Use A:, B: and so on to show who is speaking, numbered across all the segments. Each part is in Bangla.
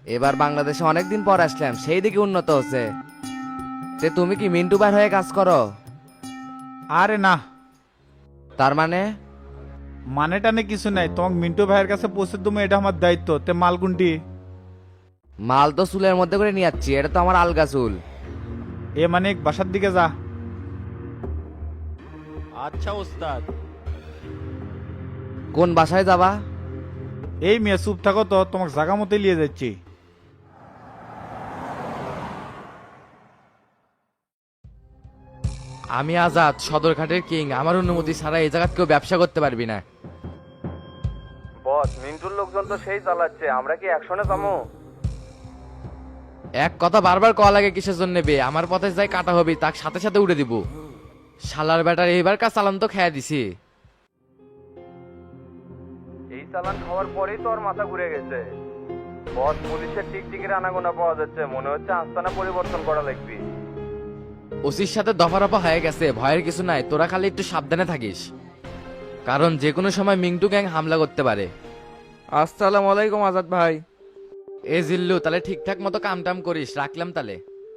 A: এবার বাংলাদেশে অনেকদিন পর আসলাম, সেই দিকে উন্নত হচ্ছে। তে তুমি কি মিন্টু ভাই হয়ে কাজ করো?
B: আরে না,
A: তার মানে?
B: মানে টানে কিছু নাই, তোমাকে মিন্টু ভাইয়ের কাছে পৌঁছে দেবো, এটা আমার দায়িত্ব। তে মাল কোনটি?
A: মাল তো চুলের মধ্যে করে নিয়ে যাচ্ছি, এটা তো আমার আলগা চুল।
B: এ মানে বাসার দিকে যা।
C: আচ্ছা ওস্তাদ।
A: কোন বাসায় যাবা?
B: এই মেয়ে চুপ থাকো তো, তোমাকে জায়গা মতো নিয়ে যাচ্ছি।
A: আমি আজাদ, সদরঘাটের কিং। আমার অনুমতি ছাড়া এই জায়গা কেউ ব্যবসা করতে পারবি না। বস, মিন্টুর লোকজন তো সেই চালাচ্ছে, আমরা কি একশনে যাবো? এক কথা বারবার কল লাগে কিসের জন্য নেবে? আমার পথে যাই কাটা হবি, তার সাথে সাথে উড়ে দিব। শালার ব্যাটার এইবার কাজ চালান তো খেয়া দিছি। এই চালান খাওয়ার পরেই তো ওর মাথা ঘুরে গেছে। বস, পুলিশের টিকটিকির আনাগোনা পাওয়া যাচ্ছে, মনে হচ্ছে আস্তানা পরিবর্তন করা লাগবে। ওসির সাথে দফা রফা হয়ে গেছে, ভয়ের কিছু নাই। তোরা খালি একটু সাবধানে থাকিস, কারণ যে কোনো সময় মিন্টু গ্যাং হামলা করতে পারে। আসসালামু আলাইকুম আজাদ ভাই। এ জিল্লু, তাহলে ঠিকঠাক মতো কাম টাম করিস, রাখলাম তাহলে।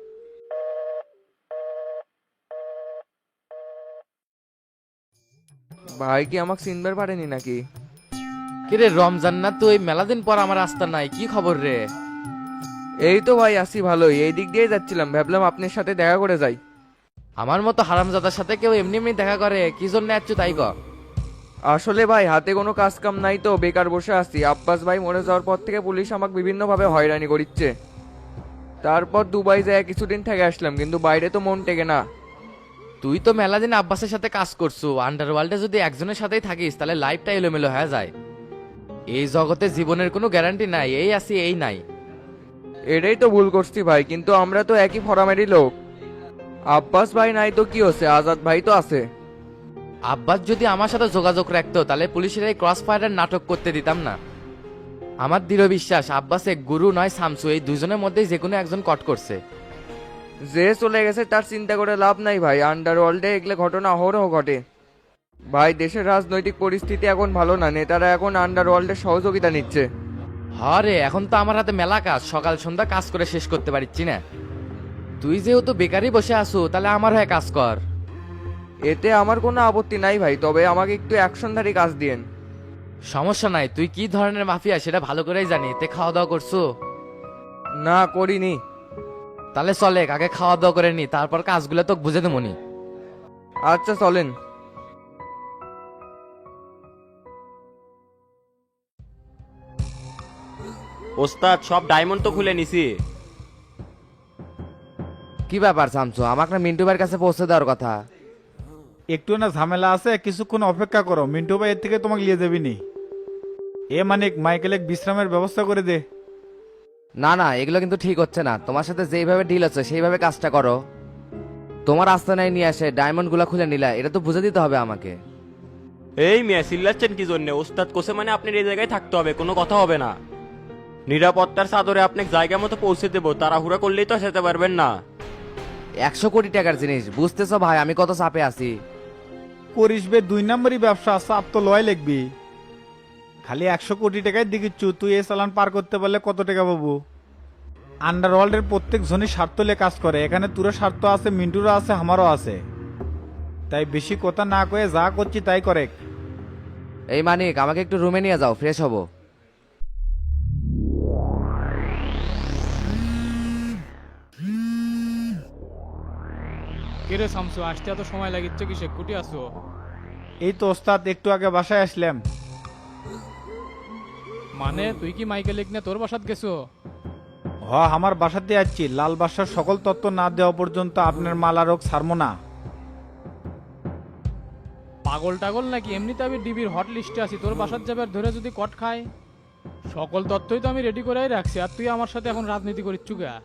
A: ভাই কি আমাকে চিনবার পারেনি নাকি? কিরে রমজান না তুই? মেলা দিন পর আমার রাস্তা নাই, কি খবর রে? এই তো ভাই আছি ভালোই, এই দিক দিয়ে যাচ্ছিলাম, ভাবলাম আপনার সাথে দেখা করে যাই। আমার মতো হারামজাদার সাথে কেউ এমনি এমনি দেখা করে? কি জন্য যাচ্ছ তাই ক। আসলে ভাই হাতে কোনো কাজ কাম নাই তো, বেকার বসে আছি। আব্বাস ভাই মরে যাওয়ার পর থেকে পুলিশ আমাকে বিভিন্নভাবে হয়রানি করিচ্ছে। তারপর দুবাই যায় কিছুদিন থেকে আসলাম, কিন্তু বাইরে তো মন টেকে না। তুই তো মেলা দিন আব্বাসের সাথে কাজ করছো, আন্ডারওয়ার্ল্ডে যদি একজনের সাথেই থাকিস তাহলে লাইফটা এলোমেলো হয়ে যায়। এই জগতে জীবনের কোনো গ্যারান্টি নাই, এই আছি এই নাই। এটাই তো ভুল করছি ভাই, কিন্তু আমরা তো একই ফরামেরই লোক। আব্বাস ভাই নাই তো কি হচ্ছে, আজাদ ভাই তো আছে। আব্বাস যদি আমার সাথে যোগাযোগ রাখতো তাহলে পুলিশের এই ক্রস ফায়ারের নাটক করতে দিতাম না। আমার দৃঢ় বিশ্বাস আব্বাস এক গুরু নয় শামসু, এই দুজনের মধ্যে যে কোনো একজন কট করছে। যে চলে গেছে তার চিন্তা করে লাভ নাই ভাই, আন্ডারওয়ার্ল্ডে এগুলো ঘটনা অহরহ ঘটে। ভাই দেশের রাজনৈতিক পরিস্থিতি এখন ভালো না, নেতারা এখন আন্ডারওয়ার্ল্ডের সহযোগিতা নিচ্ছে। হরে, এখন তো আমার হাতে মেলা কাজ, সকাল সন্ধ্যা কাজ করে শেষ করতে পারছি না। তুই যেহেতু বেকারই বসে আসু, তাহলে আমার হয়ে কাজ কর। এতে আমার কোনো আপত্তি নাই ভাই, তবে আমাকে একটু অ্যাকশনধারী কাজ দিয়েন। সমস্যা নাই, তুই কি ধরনের মাফিয়া সেটা ভালো করেই জানি। তে খাওয়া দাওয়া করছো? না করিনি। তাহলে চলে আগে খাওয়া দাওয়া করে নি, তারপর কাজগুলো তো বুঝে দেবনি। আচ্ছা চলেন।
C: ওস্তাদ, সব ডায়মন্ড তো খুলে নিছি।
A: কি ব্যাপার শামসু, আমাকে না মিন্টু ভাইয়ের কাছে পৌঁছে দেওয়ার কথা?
B: একটু না ঝামেলা আছে, কিছুক্ষণ অপেক্ষা করো, মিন্টু ভাই এর থেকে তোমাকে নিয়ে যাবি নি। এ মানে মাইকেল এক বিশ্রামের ব্যবস্থা করে দে।
A: না না, এগুলো কিন্তু ঠিক হচ্ছে না। তোমার সাথে যেইভাবে ডিল হচ্ছে সেইভাবে কাজটা করো। তোমার আস্তানায় নিয়ে আসে ডায়মন্ড গুলা খুলে নিলা, এটা তো বুঝে দিতে হবে আমাকে।
C: এই মিয়া চিল্লাচ্ছেন কি জন্য? ওস্তাদ কোসে মানে আপনার এই জায়গায় থাকতে হবে, কোনো কথা হবে না। নিরাপত্তার চাদরে আপনাকে জায়গা মতো পৌঁছে দেবো, তাড়াহুড়া করলেই তো যেতে পারবেন না।
A: 100 কোটি টাকার জিনিস, বুঝতেছো ভাই আমি কত চাপে আছি।
B: করিস বে, 2 নম্বরই ব্যবসা, চাপ তো লয় লিখবি। খালি 100 কোটি টাকায় দিকিচ্ছু, তুই এই চালান পার করতে পারলে কত টাকা পাবো? আন্ডারওয়ার্ল্ডের প্রত্যেক জনই স্বার্থ নিয়ে কাজ করে, এখানে তোর স্বার্থ আছে, মিন্টুরও আছে, আমারও আছে। তাই বেশি কথা না কয়ে যা করছি তাই করে।
A: এই মানিক, আমাকে একটু রুমে নিয়ে যাও, ফ্রেশ হবো।
D: কিরে শামসু, আসতে এত সময় লাগিচ্ছে কিসে? কুটি আসো?
B: এই তো ওস্তাদ, একটু আগে বাসায় আসলাম।
D: মানে তুই কি মাইকেল নিয়ে তোর বাসাত গেছো?
B: আমার বাসাতে যাচ্ছি, লাল বাসার সকল তত্ত্ব না দেওয়া পর্যন্ত আপনার মাল আরক ছাড়বো না।
D: পাগল টাগল নাকি? এমনিতে আমি ডিবির হট লিস্টে আছি, তোর বাসাত যাবে আর ধরে যদি কট খায়। সকল তথ্যই তো আমি রেডি করেই রাখছি, আর তুই আমার সাথে এখন রাজনীতি করিচ্ছু গা?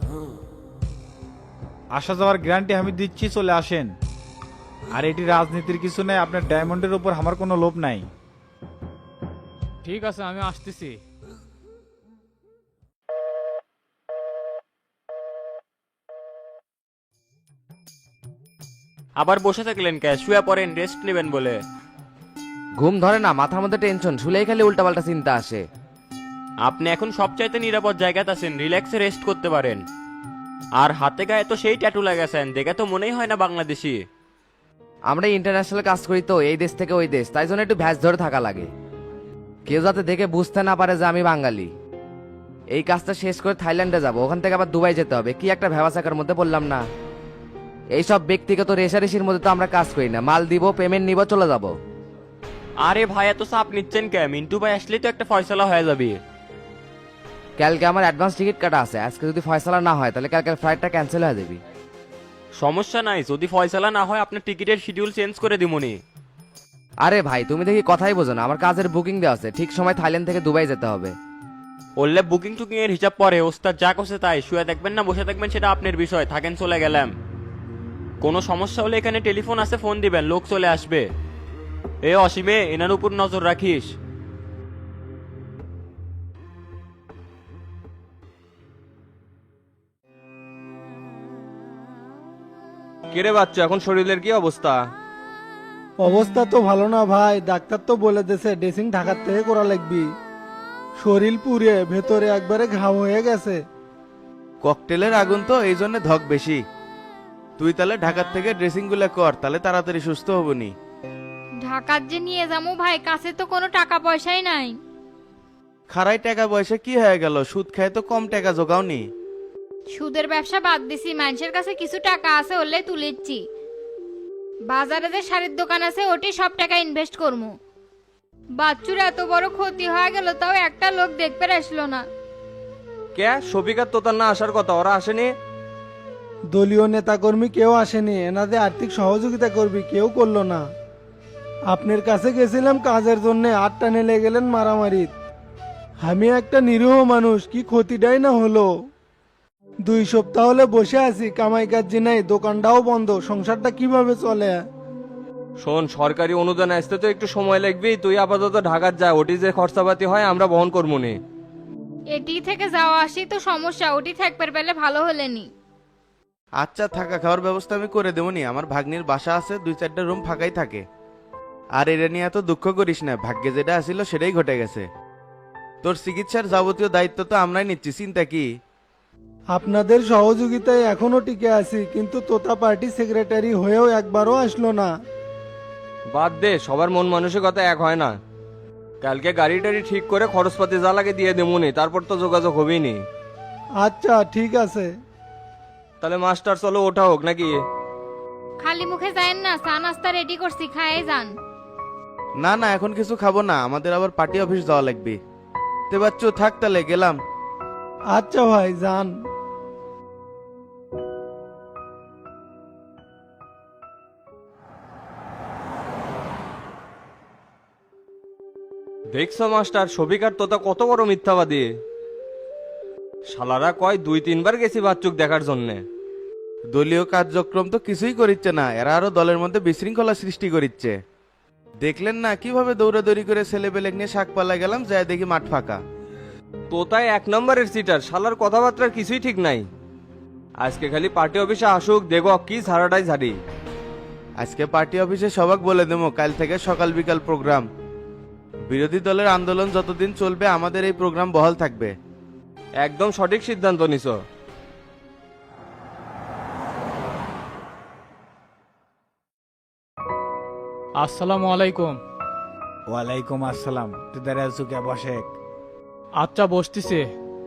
B: আসা যাওয়ার গ্যারান্টি আমি দিচ্ছি, চলে আসেন। আর এটি রাজনীতির কিছু নেই, আপনার ডায়মন্ডের উপর আমার কোনো লোভ নাই।
D: ঠিক আছে, আমি আসতেছি।
C: আবার বসে থাকলেন কে? শুয়ে পড়েন, রেস্ট নেবেন বলে।
A: ঘুম ধরে না, মাথার মধ্যে টেনশন, শুলেই খালি উল্টাপাল্টা চিন্তা আসে।
C: আপনি এখন সবচাইতে নিরাপদ জায়গাতে আছেন, রিল্যাক্সে রেস্ট করতে পারেন। আর হাতে গায়ে তো সেই ট্যাটু লাগাছেন, দেখে তো মনেই হয় না বাংলাদেশি।
A: আমরা ইন্টারন্যাশনাল কাজ করি তো, এই দেশ থেকে ওই দেশ, তাই জন্য একটু ভ্যাস ধরে থাকা লাগে, কেউ যাতে দেখে বুঝতে না পারে যে আমি বাঙালি। এই কাজটা শেষ করে থাইল্যান্ডে যাব, ওখান থেকে আবার দুবাই যেতে হবে, কি একটা ভ্যাবাচাকার মধ্যে বললাম না। এইসব ব্যক্তিগত রেশারেশির মধ্যে তো আমরা কাজ করি না, মাল দিব, পেমেন্ট নিব, চলে যাব।
C: আরে ভাই এত চাপ নিচ্ছেন কে? মিন্টু ভাই আসলেই তো একটা ফয়সালা হয়ে যাবে।
A: কালকে আমার অ্যাডভান্স টিকিট কাটা আছে, আজকে যদি ফয়সালা না হয় তাহলে কালকে ফ্লাইটটা ক্যান্সেল হয়ে যাবে।
C: সমস্যা নাই, যদি ফয়সালা না হয় আপনার টিকিটের শিডিউল চেঞ্জ করে দিমুনি।
A: আরে ভাই তুমি দেখি কথাই বোঝো না, আমার কাজের বুকিং দেওয়া আছে, ঠিক সময় থাইল্যান্ড থেকে দুবাই যেতে হবে।
C: বললে বুকিং টুকিং এর হিসাব পরে, ওস্তাদ যা করছে তাই, শুয়ে দেখবেন না বসে থাকবেন সেটা আপনার বিষয়, থাকেন চলে গেলাম। কোনো সমস্যা হলে এখানে টেলিফোন আছে, ফোন দিবেন, লোক চলে আসবে। এ অসীমে, এনার উপর নজর রাখিস।
E: কেরে বাচ্চা, এখন শরীরের কি অবস্থা?
F: অবস্থা তো ভালো না ভাই, ডাক্তার তো বলে দিয়েছে ড্রেসিং ঢাকার থেকে করা লাগবি। শরীর পুড়ে ভেতরে একবারে ঘাম হয়ে গেছে।
G: ককটেলের আগুন তো, এই জন্য ধক বেশি। তুই তাহলে ঢাকার থেকে ড্রেসিং গুলা কর, তাহলে তাড়াতাড়ি সুস্থ হবনি।
H: ঢাকার যে নিয়ে যাবো ভাই, কাছে তো কোনো টাকা পয়সাই নাই।
G: খারাই টাকা পয়সা কি হয়ে গেল, সুদ খায় তো কম টাকা জোগাওনি।
H: সুদের ব্যবসা বাদ দিছি, মানুষের কাছে কিছু টাকা আছে হলে তুলেছি। বাজারে যে শাড়ির দোকান আছে ওটি সব টাকা ইনভেস্ট করবো। বাচ্চুর এত বড় ক্ষতি হয়ে গেল, তাও একটা লোক দেখতে আসলো না।
E: কে শফিকার তোতার না আসার কথা, ওরা আসেনি?
F: দলীয় নেতাকর্মী কেউ আসেনি, এনাদের আর্থিক সহযোগিতা করবি কেউ করলো না। আপনার কাছে গেছিলাম কাজের জন্য, 8টা নেলে গেলেন মারামারি। আমি একটা নিরীহ মানুষ, কি ক্ষতিটাই না হলো। 2 সপ্তাহ হলে বসে আছি, কামাই কাজ নাই, দোকানটাও বন্ধ, সংসারটা কিভাবে চলে?
E: শোন, সরকারি অনুদান আসতে তো একটু সময় লাগবেই। তুই আপাতত ঢাকার যা, ওটি যে খরচাপাতি হয় আমরা বহন করবো নি।
H: এটি থেকে যাওয়া আসি তো সমস্যা, ওটি থাকতে পেলে ভালো হলেনি।
G: আচ্ছা, থাকা খাওয়ার ব্যবস্থা আমি করে দেবো নি। আমার ভাগ্নির বাসা আছে, 2-4টা রুম ফাঁকাই থাকে। আর এটা নিয়ে এত দুঃখ করিস না, ভাগ্যে যেটা আসিল সেটাই ঘটে গেছে। তোর চিকিৎসার যাবতীয় দায়িত্ব তো আমরাই নিচ্ছি, চিন্তা কি?
F: আপনাদের সহযোগিতায় এখনো টিকে আছি, কিন্তু তোতা পার্টি সেক্রেটারি হয়েও একবারও আসলো না।
E: বাদ দে, সবার মন মানসিকতা এক হয় না। কালকে গাড়ি টাড়ি ঠিক করে খরচপাতি যা লাগে দিয়ে দেবুনি, তারপর তো যোগাযোগ হবেই নি।
F: আচ্ছা ঠিক আছে।
E: তাহলে মাস্টার চলো, ওঠা হোক নাকি?
H: খালি মুখে যায়েন না, চা নাস্তা রেডি করছি, খায়ে যান।
G: না না, এখন কিছু খাবো না, আমাদের আবার পার্টি অফিস যাওয়া লাগবে। তে বাচ্চু থাক, তাহলে গেলাম।
F: আচ্ছা ভাই যান।
E: দেখছো মাস্টার, শফিকার তোতা কত বড় মিথ্যাবাদী। শালারা কয় 2-3 বার গেছি বাচ্চুক দেখার জন্যে।
G: দলীয় কার্যক্রম তো কিছুই করিচ্ছে না, এরা আরো দলের মধ্যে বিশৃঙ্খলা সৃষ্টি করিচ্ছে। দেখলেন না কিভাবে দৌড়াদৌড়ি করে ছেলেপেলে নিয়ে শাক পালা গেলাম, যায় দেখি মাঠ ফাঁকা।
E: তোতায় 1 নম্বরের সিটার, শালার কথাবার্তার কিছুই ঠিক নাই। আজকে খালি পার্টি অফিসে আসুক, দেখো কি ঝাড়াটাই ঝাড়ি।
G: আজকে পার্টি অফিসে সবাক বলে দেবো, কাল থেকে সকাল বিকাল প্রোগ্রাম। বিরোধী দলের আন্দোলন যতদিন চলবে আমাদের এই প্রোগ্রাম বহাল থাকবে।
E: একদম সঠিক সিদ্ধান্ত নিছো।
D: আসসালামু আলাইকুম।
B: ওয়ালাইকুম আসসালাম। তোদের আজকে বসে।
D: আচ্ছা বসতিছে।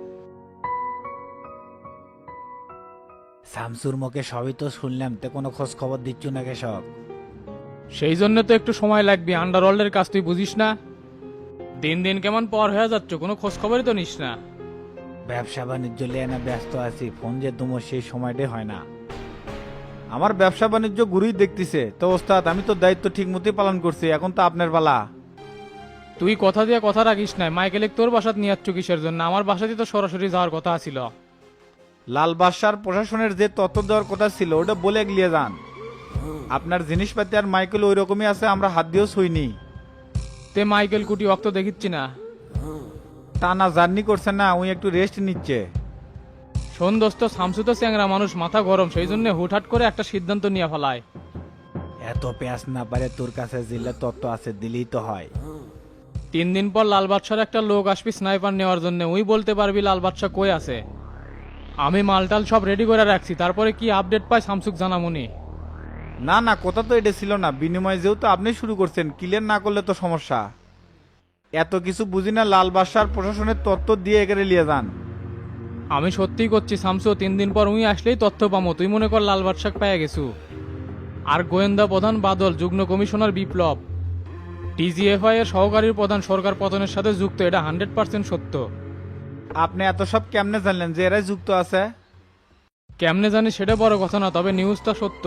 B: শামসুর মুখে সবই তো শুনলাম, তে কোনো খোঁজ খবর দিচ্ছ না কেশব?
D: সেই জন্য তো একটু সময় লাগবে, আন্ডারওয়ার্ল্ডের কাজ তুই বুঝিস না। দিন দিন কেমন পর হয়ে যাচ্ছ, কোনো খোঁজ খবরই তো নিস না।
B: ব্যবসা বাণিজ্য লিয়ে না ব্যস্ত আছি, ফোন যে তোমার সেই সময়টাই হয় না। আমার ব্যবসা বাণিজ্য গুরুই দেখতেছে তো ওস্তাদ, আমি তো দায়িত্ব ঠিক মতোই পালন করছি, এখন তো আপনার পালা।
D: তুই কথা দিয়ে কথা রাখিস নাই, মাইকেলে তোর বাসাত নিয়ে যাচ্ছ কিসের জন্য? আমার বাসাতে তো সরাসরি যাওয়ার কথা ছিল।
B: লাল বাদশার প্রশাসনের যে তথ্য দেওয়ার কথা ছিল ওটা বলে গিয়ে যান। আপনার জিনিসপাতি আর মাইকেল ওই রকমই আছে, আমরা হাত দিয়েও ছুইনি।
D: তে মাইকেল কুটি অক্ত দেখিচ্ছি না।
B: টানা জার্নি করছে না, উনি একটু রেস্ট নিচ্ছে।
D: শোন দোস্ত, শামসু তো চ্যাংরা মানুষ, মাথা গরম, সেই জন্য হুটহাট করে একটা সিদ্ধান্ত নিয়ে ফেলায়।
B: এত পেঁয়াজ না পারে, তোর কাছে জিল্লা তত্ত্ব আছে, দিলেই তো হয়।
D: 3 দিন পর লাল বাদশার একটা লোক আসবি স্নাইপার নেওয়ার জন্য, ওই বলতে পারবি লাল বাদশা কই আছে। আমি মালটাল সব রেডি করে রাখছি, তারপরে কি আপডেট পাই শামসুক জানামুনি।
B: না না, কথা তো এটা ছিল না। বিনিময় যেহেতু আপনি শুরু করছেন, ক্লিয়ার না করলে তো সমস্যা। এত কিছু বুঝি না, লাল বাদশার প্রশাসনের তথ্য দিয়ে একেরে নিয়ে যান।
D: আমি সত্যিই করছি শামসু, 3 দিন পর উই আসলেই তথ্য পামো। তুই মনে কর লাল বাদশাক পেয়ে গেছু। আর গোয়েন্দা প্রধান বাদল, যুগ্ম কমিশনার বিপ্লব, টিজিএফআই এর সহকারীর প্রধান সরকার পতনের সাথে যুক্ত, এটা 100% সত্য।
B: আপনি এত সব কেমনে জানলেন যে এরাই যুক্ত আছে?
D: কেমনে জানি সেটা বড় কথা না, তবে নিউজটা সত্য।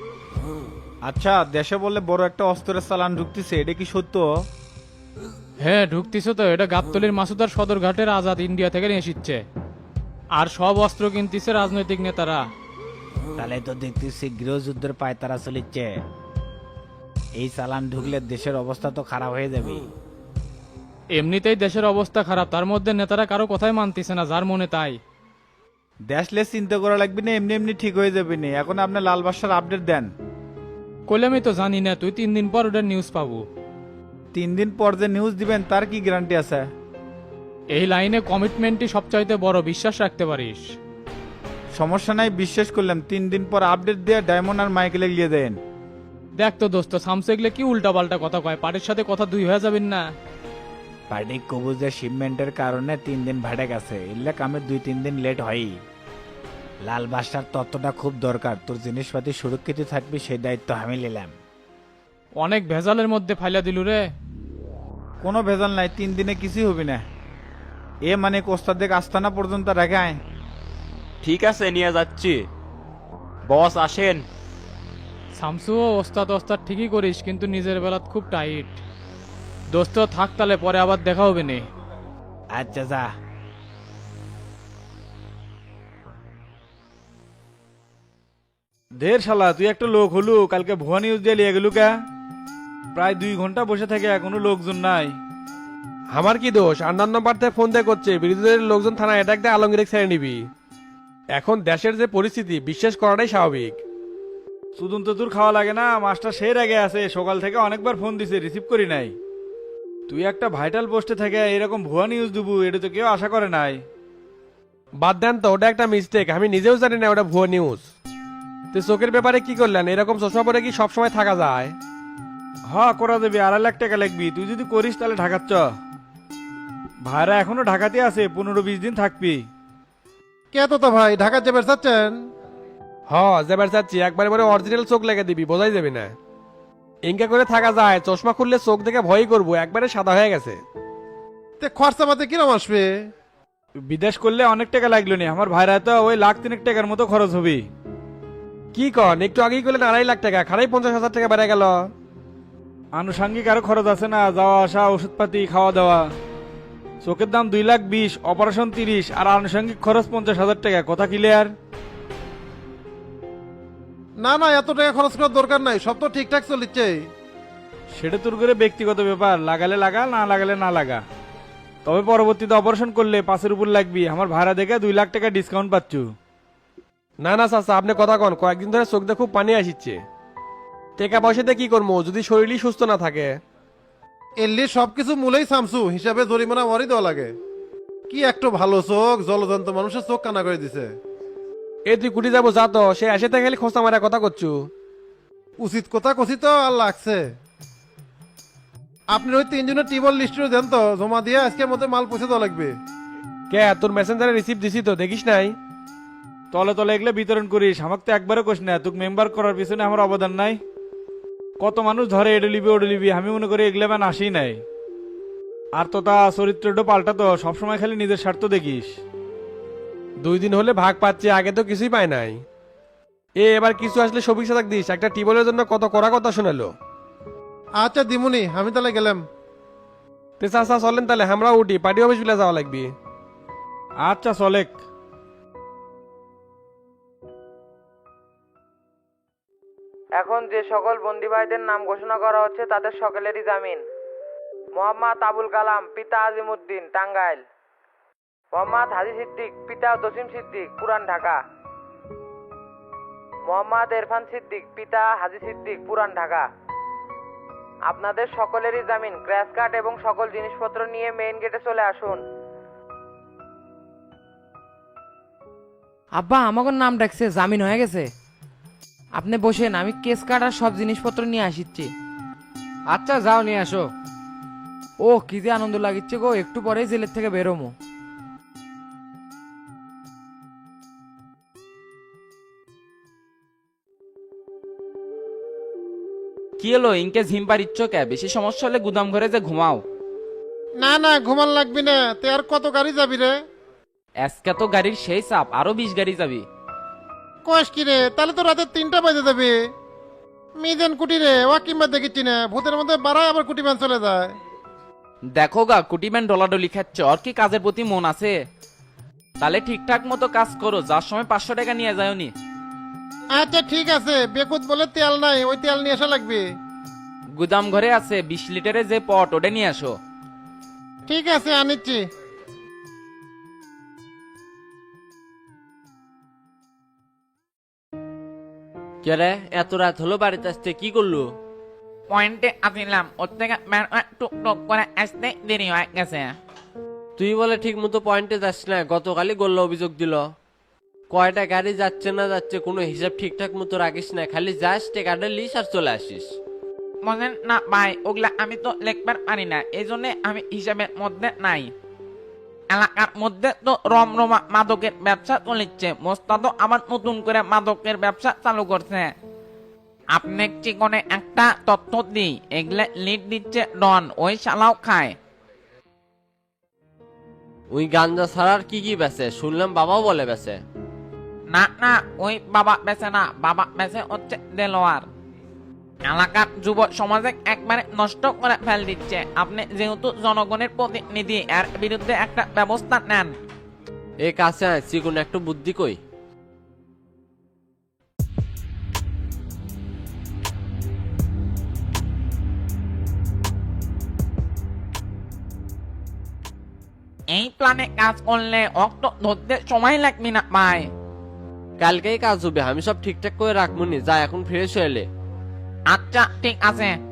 B: আচ্ছা, দেশে বললে বড় একটা অস্ত্রের চালান ঢুকতেছে, এটা কি সত্য?
D: হ্যাঁ ঢুকতিছে তো, এটা গাবতলির মাসুদার সদরঘাটের আজাদ ইন্ডিয়া থেকে নিয়ে এসেছে। আর সব অস্ত্র কিনতেছে রাজনৈতিক নেতারা।
B: তাহলে তো দেখতেছি গৃহযুদ্ধের পায়তারা চলিচ্ছে। এই চালান ঢুকলে দেশের অবস্থা তো খারাপ হয়ে যাবে।
D: এমনিতেই দেশের অবস্থা খারাপ, তার মধ্যে নেতারা কারো কথাই মানতেছে না, যার মনে তাই।
B: দেশলে চিন্তা করা লাগবে না, এমনি এমনি ঠিক হয়ে যাবে না। এখন আপনি লাল বাদশার আপডেট দেন।
D: কইলে আমি তো জানি না, তুই 3 দিন পর ওটার নিউজ পাবো।
B: 3 দিন পর যে নিউজ দিবেন তার কি গ্যারান্টি আছে?
D: এই লাইনে কমিটমেন্টই সবচাইতে বড়, বিশ্বাস রাখতে পারিস।
B: সমস্যা নাই, বিশ্বাস করলাম। 3 দিন পর আপডেট দিয়ে ডায়মন্ড আর মাইকেলে গিয়ে দেন।
D: দেখ তো দোস্ত, সামসেগলে কি উল্টা পাল্টা কথা কয়, পার্টির সাথে কথা দুই হয়ে যাবেন না।
B: পার্টি কবুজের শিপমেন্টের কারণে 3 দিন ভাড়ে গেছে, এলে কামে 2-3 দিন লেট হয়ই। লাল বাদশার তত্ত্বটা খুব দরকার। তোর জিনিসপাতি সুরক্ষিত থাকবে, সেই দায়িত্ব আমি নিলাম।
D: অনেক ভেজালের মধ্যে ফাইলা দিলু রে।
B: কোনো ভেজাল নাই, 3 দিনে কিছুই হবে না। এ মানে কোস্তাদের আস্তানা পর্যন্ত রাখায়।
C: ঠিক আছে, নিয়ে যাচ্ছি। বস আসেন।
D: শামসু ওস্তাদ ওস্তাদ ঠিকই করিস, কিন্তু নিজের বেলাত খুব টাইট। দোস্ত থাক, তাহলে পরে আবার দেখা হবে নে।
B: আচ্ছা যা। ঢের শালা, তুই একটা লোক হলু, কালকে ভুয়া নিউজ দিয়ে লিয়ে গেলু কা? প্রায় 2 ঘন্টা বসে থেকে এখনো লোকজন নাই।
I: আমার কি দোষ? অন্যান্য পার্থে ফোন দিয়ে করছে, বিরোধীদের লোকজন থানা অ্যাটাক দিয়ে আলমগীর ছেড়ে নিবি। এখন দেশের যে পরিস্থিতি, বিশ্বাস করাটাই স্বাভাবিক।
B: সুদন তো তোর খাওয়া লাগে না, মাস্টার সেই আগে আছে। সকাল থেকে অনেকবার ফোন দিছে, রিসিভ করি নাই। তুই একটা ভাইটাল পোস্টে থেকে এরকম ভুয়া নিউজ দিবু, এটা তো কেউ আশা করে নাই।
I: বাদ দেন তো, ওটা একটা মিস্টেক। আমি নিজেও জানি না ওটা ভুয়ো নিউজ। তো চোখের ব্যাপারে কি করলেন? এরকম চশমা পরে কি সবসময় থাকা যায়?
B: হ্যাঁ করা দেবে, 2.5 লাখ টাকা লাগবি। তুই যদি করিস তাহলে ঢাকার চ। ভাইরা এখনো ঢাকাতে আছে, 15-20 দিন থাকবি।
F: কে তো ভাই ঢাকা যাবে চাচ্ছেন?
I: হ, যেবার চাচ্ছি একবারে পরে অরিজিনাল চোখ লেগে দিবি, বোঝাই যাবে না। ইনকা করে থাকা যায়? চশমা খুললে চোখ দেখে ভয়ই করবো, একবারে সাদা হয়ে গেছে।
F: তে খরচা পাতে কিরম আসবে?
B: বিদেশ করলে অনেক টাকা লাগলো নি, আমার ভাইরা তো ওই 1.3 লাখ টাকার মতো খরচ হবে।
I: কি কন? একটু আগেই করলেন 2.5 লাখ টাকা, খারাই 50,000 টাকা বেড়ে গেল।
B: আনুষঙ্গিক আরো খরচ আছে না, যাওয়া আসা, ওষুধপাতি, খাওয়া দাওয়া। চোখের দাম 2,20,000, অপারেশন 30, আর আনুষঙ্গিক খরচ 50,000 টাকা। কথা ক্লিয়ার?
F: না না, এত টাকা খরচ করার দরকার নাই, সব তো ঠিকঠাক চলিচ্ছে।
B: সেটা তোর করে ব্যক্তিগত ব্যাপার, লাগালে লাগা, না লাগালে না লাগা। তবে পরবর্তীতে অপারেশন করলে 5-এর উপর লাগবি। আমার ভাড়া দেখে 2 লাখ টাকা ডিসকাউন্ট পাচ্ছু।
I: না না চাচা, আপনি কথা কন। কয়েকদিন ধরে চোখ দিয়ে খুব পানি আসছে। টাকা পয়সাতে কি করবো যদি শরীরই সুস্থ না থাকে?
F: এলি সবকিছু মূলেই সামসু, হিসাবে জরিমানা ওয়ারি দেওয়া লাগে। কি একটু ভালো চোখ, জলজন্ত মানুষের চোখ কানা করে দিছে।
I: এ তুই কুটি যাবো যা তো, সে আসে থেকে খোঁচা মারা কথা করছু।
F: উচিত কথা কছি তো, আর লাগছে। আপনি ওই 3 জনের টিবল লিস্টে দেন তো, জমা দিয়ে আজকের মধ্যে মাল পৌঁছে দেওয়া লাগবে।
I: কে তোর মেসেঞ্জারে রিসিভ দিছি তো, দেখিস নাই?
B: তলে তলে এগুলো বিতরণ করিস, আমাকে তো একবারও কোস না। তোকে মেম্বার করার পিছনে আমার অবদান নাই? কত মানুষ ধরে এডে লিবি ওডে লিবি, আমি মনে করি এগুলো ম্যান আসি নাই। আর তো তা চরিত্রটা পাল্টা তো, সবসময় খালি নিজের স্বার্থ দেখিস।
I: 2 দিন হলে ভাগ পাচ্ছে, আগে তো কিছুই পায় নাই। এবার কিছু আসলে সবিক সাদাক দিস। একটা টিবলের জন্য কত কড়া কথা শোনালো।
F: আচ্ছা দিমুনি, আমি তাহলে গেলাম।
I: তে চাচা চলেন তাহলে, আমরা উঠি, পার্টি অফিস বিলে যাওয়া লাগবে।
B: আচ্ছা চলেক।
A: এখন যে সকল বন্দি ভাইদের নাম ঘোষণা করা হচ্ছে তাদের সকলেরই জামিন। মোহাম্মদ আবুল কালাম, পিতা আজিমউদ্দিন, টাঙ্গাইল। মোহাম্মদ হাজি সিদ্দিক, পিতা জসিম সিদ্দিক, পুরান ঢাকা। মোহাম্মদ ইরফান সিদ্দিক, পিতা হাজি সিদ্দিক, পুরান ঢাকা। আপনাদের সকলেরই জামিন, ক্র্যাশ কার্ড এবং সকল জিনিসপত্র নিয়ে মেইন গেটে চলে আসুন। আব্বা আমাকে নাম ডাকছে, জামিন হয়ে গেছে। আপনি বসেন, আমি কেস কার্ড আর সব জিনিসপত্র নিয়ে আসিচ্ছি। আচ্ছা যাও নিয়ে আসো। ও কি যে আনন্দ লাগিচ্ছে গো, একটু পরেই জেলের থেকে বেরোমো।
J: কি হলো ইনকে ঝিম্পার ইচ্ছো কে? বেশি সমস্যা হলে গুদাম ঘরে যে ঘুমাও।
K: না না ঘুমান লাগবি না, তে আর কত গাড়ি যাবি রে?
J: আজকে তো গাড়ির সেই চাপ, আরো 20 গাড়ি যাবি।
K: কস কি রে, তাহলে তো রাতে 3টা বাজে যাবে। মিজান কুটি রে, ও কিংবা দেখিচ্ছি না, ভূতের মধ্যে বাড়ায় আবার কুটি ম্যান চলে যায়।
J: দেখো গা কুটিম্যান ডলাডলি খাচ্ছে, ওর কি কাজের প্রতি মন আছে? তাহলে ঠিকঠাক মতো কাজ করো, যার সময় 500 টাকা নিয়ে যাওনি।
K: আচ্ছা ঠিক আছে, বেকুত বলে তেল নাই, ওই তেল নিয়ে আসা লাগবে।
J: গুদাম ঘরে আছে 20 লিটারের যে পট, ওটা নিয়ে আসো।
K: ঠিক আছে আনিচ্ছি।
C: কে রে, এত রাত হলো বাড়িতে আসতে কি করলো?
A: পয়েন্টে আসিলাম, ওর থেকে টুক করে আসতে দেরি হয়ে গেছে।
C: তুই বলে ঠিক মতো পয়েন্টে যাস না, গতকালই গোল্লা অভিযোগ দিল। কয়টা গাড়ি যাচ্ছে না যাচ্ছে কোনো হিসাব ঠিকঠাক মতো রাখিস না, খালি যাস টেকাটা লিস আর চলে আসিস।
A: মনে না ভাই, ওগুলা আমি তো লিখবার পারি না, এই জন্য আমি হিসাবের মধ্যে নাই। এলাকার মধ্যে তো রমরমা মাদকের ব্যবসা চলেছে, মোস্তাদ আবার নতুন করে মাদকের ব্যবসা চালু করছে। আপনি চিকনে একটা তথ্য দিই, এগুলা লিড দিচ্ছে ডন, ওই শালাও খায়।
C: ওই গাঞ্জা ছাড়ার কি কি বেচে? শুনলাম বাবাও বলে বেচে।
A: না না, ওই বাবা বেচে না, বাবা বেচে হচ্ছে দেলোয়ার। এলাকার যুব সমাজে একবারে নষ্ট করে ফেল দিচ্ছে। আপনি যেহেতু জনগণের প্রতিনিধি, এর বিরুদ্ধে একটা ব্যবস্থা নেন।
C: এ কাছে আয়, চিকুন একটু বুদ্ধি কই।
A: এই প্ল্যানে কাজ করলে অক্ত ধরতে সময় লাগবে না ভাই।
C: কালকেই কাজ হবে, আমি সব ঠিকঠাক করে রাখবো নি, যা এখন ফ্রেশ হয়ে এলে।
A: আচ্ছা ঠিক আছে।